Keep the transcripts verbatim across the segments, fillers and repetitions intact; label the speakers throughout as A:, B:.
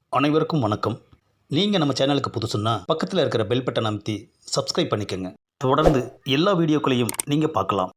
A: அனைவருக்கும் வணக்கம். நீங்கள் நம்ம சேனலுக்கு புதுசுன்னா பக்கத்தில் இருக்கிற பெல் பட்டன் அமைத்தி சப்ஸ்கிரைப் பண்ணிக்கோங்க. தொடர்ந்து எல்லா வீடியோக்களையும் நீங்கள் பார்க்கலாம்.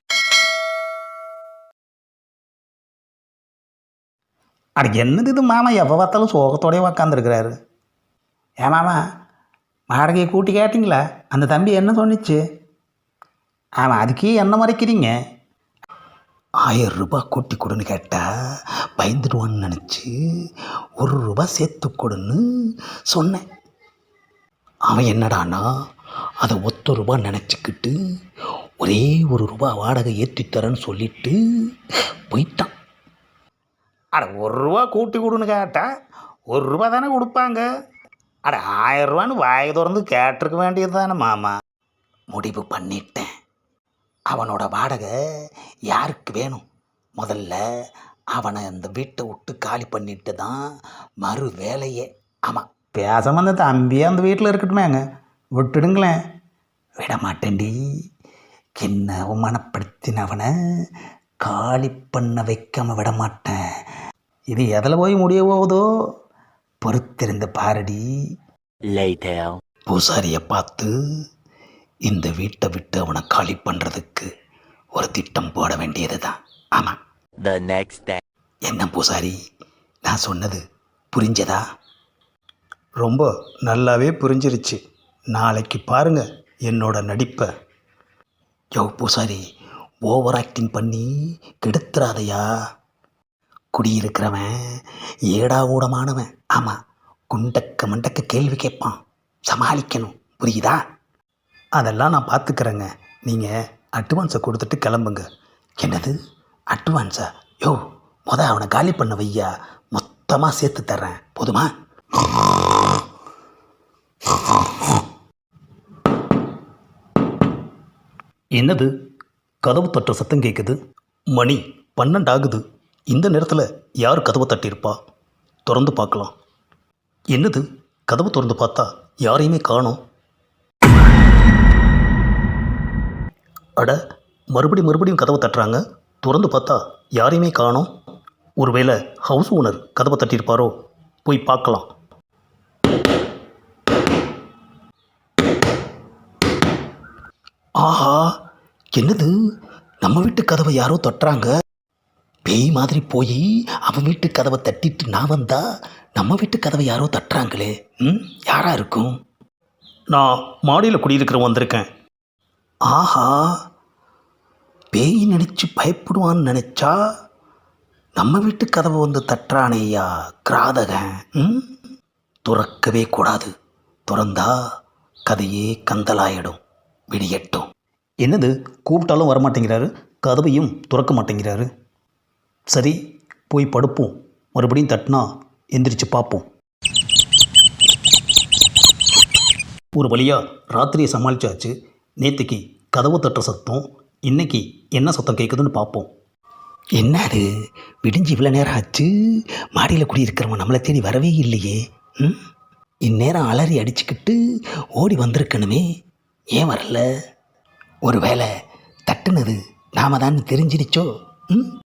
B: அட என்னது இது மாமா எப்போ பார்த்தாலும் சோகத்தோடய உக்காந்துருக்கிறாரு. ஏன் மாமா வாடகையை கூட்டி கேட்டிங்களா? அந்த தம்பி என்ன சொன்னிச்சு? ஆமாம், அதுக்கே என்ன மறைக்கிறீங்க? ஆயிரம் ரூபாய் கூட்டி கொடுன்னு கேட்டால் பயந்துடுவான்னு நினச்சி ஒரு ரூபா சேர்த்து கொடுன்னு சொன்னேன். அவன் என்னடானா அதை ஒத்த ரூபா நினச்சிக்கிட்டு ஒரே ஒரு ரூபா வாடகை ஏற்றித்தரேன்னு சொல்லிட்டு போயிட்டான். அட ஒரு ரூபா கூட்டி கொடுன்னு கேட்டால் ஒரு ரூபா தானே கொடுப்பாங்க. அட ஆயிரம் ரூபான்னு வாயை திறந்து கேட்டிருக்க வேண்டியது தானே மாமா. முடிவு பண்ணிட்டேன். அவனோட வாடகை யாருக்கு வேணும்? முதல்ல அவனை அந்த வீட்டை விட்டு காலி பண்ணிட்டு தான் மறு வேலையே. ஆமாம், பேசாம அந்த தம்பியே அந்த வீட்டில் இருக்கட்டுமேங்க, விட்டுடுங்களேன். விட மாட்டேன்டி. என்ன அவமானப்படுத்தினவனை காலி பண்ண வைக்காம விட மாட்டேன். இது எதில் போய் முடிய போகுதோ பொறுத்திருந்த பாரடி. பூசாரியை பார்த்து இந்த வீட்டை விட்டு அவனை காலி பண்ணுறதுக்கு ஒரு திட்டம் போட வேண்டியது தான். ஆமாம்.
C: The next day.
B: என்ன பூசாரி, நான் சொன்னது புரிஞ்சதா?
A: ரொம்ப நல்லாவே புரிஞ்சிருச்சு. நாளைக்கு பாருங்கள் என்னோட நடிப்பை.
B: யோ பூசாரி, ஓவர் ஆக்டிங் பண்ணி கெடுத்துறாதையா. குடியிருக்கிறவன் ஏடா ஊடமானவன். ஆமாம், குண்டக்க மண்டக்க கேள்வி கேட்பான், சமாளிக்கணும். புரியுதா?
A: அதெல்லாம் நான் பார்த்துக்கிறேங்க. நீங்கள் அட்வான்ஸை கொடுத்துட்டு கிளம்புங்க.
B: என்னது அட்வான்ஸா? யோ முத அவனை காலி பண்ண வையா, மொத்தமாக சேர்த்து தர்றேன், போதுமா?
A: என்னது, கதவு தட்டுற சத்தம் கேட்குது? மணி பன்னெண்டு ஆகுது. இந்த நேரத்தில் யார் கதவை தட்டியிருப்பா? திறந்து பார்க்கலாம். என்னது, கதவு திறந்து பார்த்தா யாரையுமே காணோம். அட, மறுபடியும் மறுபடியும் கதவை தட்டுறாங்க. திறந்து பார்த்தா யாரையுமே காணோம். ஒருவேளை ஹவுஸ் ஓனர் கதவை தட்டியிருப்பாரோ? போய் பார்க்கலாம்.
B: ஆஹா, என்னது, நம்ம வீட்டு கதவை யாரோ தட்டுறாங்க. பேய் மாதிரி போய் அவன் வீட்டு கதவை தட்டிட்டு நான் வந்தா நம்ம வீட்டு கதவை யாரோ தட்டுறாங்களே. ம் யாரா இருக்கும்?
A: நான் மாடியில் குடியிருக்கிறவன் வந்திருக்கேன்.
B: ஆஹா, பேய் நினச்சி பயப்படுவான்னு நினச்சா நம்ம வீட்டு கதவை வந்து தட்டுறானேயா கிராதகன். ம் துறக்கவே கூடாது. திறந்தா கதையே கந்தலாயிடும். விடியட்டும்.
A: என்னது, கூப்பிட்டாலும் வரமாட்டேங்கிறாரு, கதவையும் திறக்க மாட்டேங்கிறாரு. சரி, போய் படுப்போம். மறுபடியும் தட்டினா எந்திரிச்சு பார்ப்போம். ஒரு வழியாக ராத்திரியை சமாளிச்சாச்சு. நேற்றுக்கு கதவு தட்டுற சத்தம், இன்னைக்கு என்ன சத்தம் கேட்குதுன்னு பார்ப்போம்.
B: என்னது, விடிஞ்சு இவ்வளோ நேரம் ஆச்சு, மாடியில் குடியிருக்கிறவன் நம்மளை தேடி வரவே இல்லையே. ம் இந்நேரம் அலறி அடிச்சுக்கிட்டு ஓடி வந்திருக்கணுமே, ஏன் வரல? ஒரு வேளை தட்டுனது நாம தான் தெரிஞ்சிருச்சோ? ம்